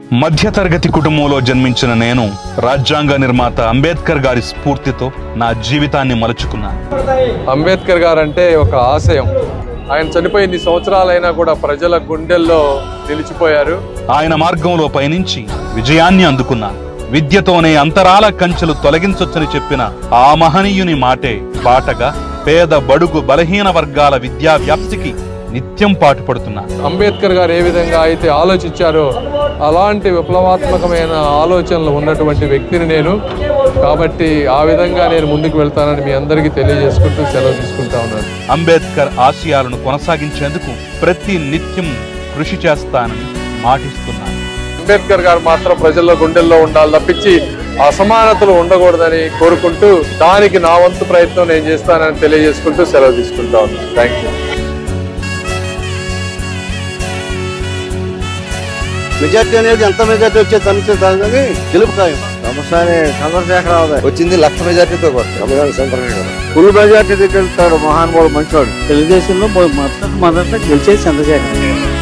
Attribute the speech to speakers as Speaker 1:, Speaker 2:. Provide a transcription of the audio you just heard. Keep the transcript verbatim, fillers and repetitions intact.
Speaker 1: మధ్యతరగతి కుటుంబంలో జన్మించిన నేను రాజ్యాంగ నిర్మాత అంబేద్కర్ గారి స్ఫూర్తితో నా జీవితాన్ని మలుచుకున్నాను.
Speaker 2: అంబేద్కర్ గారు అంటే ఒక ఆశయం. ఆయన చనిపోయి ఇన్ని సంవత్సరాలైనా కూడా ప్రజల గుండెల్లో నిలిచిపోయారు.
Speaker 1: ఆయన మార్గంలో పయనించి విజయాన్ని అందుకున్నాను. విద్యతోనే అంతరాల కంచెలు తొలగించొచ్చని చెప్పిన ఆ మహనీయుని మాటే బాటగా పేద బడుగు బలహీన వర్గాల విద్యా వ్యాప్తికి నిత్యం పాటుపడుతున్నాను.
Speaker 2: అంబేద్కర్ గారు ఏ విధంగా అయితే ఆలోచించారో అలాంటి విప్లవాత్మకమైన ఆలోచనలు ఉన్నటువంటి వ్యక్తిని నేను. కాబట్టి ఆ విధంగా నేను ముందుకు వెళ్తానని మీ అందరికీ తెలియజేసుకుంటూ సెలవు తీసుకుంటా ఉన్నాను.
Speaker 1: అంబేద్కర్ ఆశయాలను కొనసాగించేందుకు ప్రతి నిత్యం కృషి చేస్తానని మాటిస్తున్నాను.
Speaker 2: అంబేద్కర్ గారు మాత్రం ప్రజల్లో గుండెల్లో ఉండాలి తప్పించి అసమానతలు ఉండకూడదని కోరుకుంటూ దానికి నా వంతు ప్రయత్నం నేను చేస్తానని తెలియజేసుకుంటూ సెలవు తీసుకుంటా ఉన్నాను. Thank you.
Speaker 3: మెజార్టీ అనేది ఎంత మెజార్టీ వచ్చే సమస్య కానీ గెలుపు ఖాయం. సమస్య చంద్రశేఖరరావు
Speaker 4: వచ్చింది లక్ష మెజార్టీతో
Speaker 3: ఫుల్ మెజార్టీ దగ్గర మహానుభావుడు మంచివాడు.
Speaker 5: తెలుగుదేశంలో మొదట మొదట గెలిచేది చంద్రశేఖర్.